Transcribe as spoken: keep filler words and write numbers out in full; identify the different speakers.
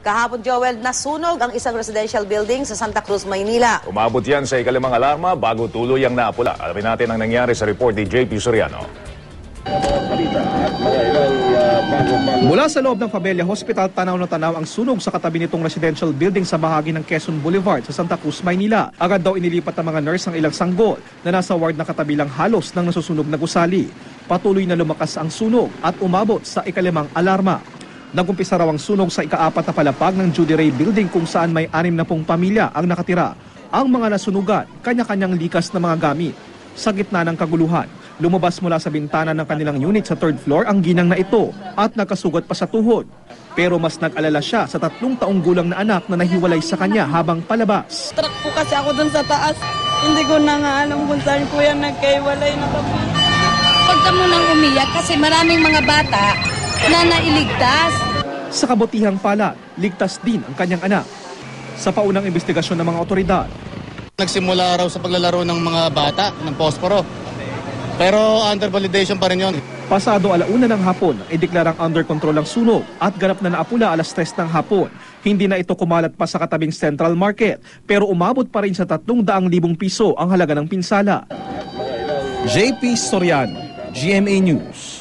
Speaker 1: Kahapon, Joel, nasunog ang isang residential building sa Santa Cruz, Maynila.
Speaker 2: Umabot yan sa ikalimang alarma bago tuloy ang naapula. Alamin natin ang nangyari sa report ni J P Soriano.
Speaker 3: Mula sa loob ng Fabella Hospital, tanaw na tanaw ang sunog sa katabi nitong residential building sa bahagi ng Quezon Boulevard sa Santa Cruz, Maynila. Agad daw inilipat ng mga nurse ang ilang sanggol na nasa ward na katabi lang halos ng nasusunog na gusali. Patuloy na lumakas ang sunog at umabot sa ikalimang alarma. Nagumpisa raw ang sunog sa ikaapat na palapag ng Judy Ray Building kung saan may anim na pong pamilya ang nakatira. Ang mga nasunugan, kanya-kanyang likas na mga gamit. Sa gitna ng kaguluhan, lumabas mula sa bintana ng kanilang unit sa third floor ang ginang na ito at nakasugat pa sa tuhod. Pero mas nag-alala siya sa tatlong taong gulang na anak na nahiwalay sa kanya habang palabas.
Speaker 4: Truck po kasi ako dun sa taas. Hindi ko na nga alam kung saan ko yan nagkaiwalay na kami.
Speaker 5: Huwag ka munang umiyak kasi maraming mga bata na nailigtas.
Speaker 3: Sa kabutihang palad, ligtas din ang kanyang anak. Sa paunang investigasyon ng mga otoridad,
Speaker 6: nagsimula raw sa paglalaro ng mga bata ng posporo. Pero under validation pa rin yun.
Speaker 3: Pasado alauna ng hapon, ideklarang under control ang sunog at ganap na naapula alas tres ng hapon. Hindi na ito kumalat pa sa katabing Central Market, pero umabot pa rin sa tatlong daang libong piso ang halaga ng pinsala. J P Soriano, G M A News.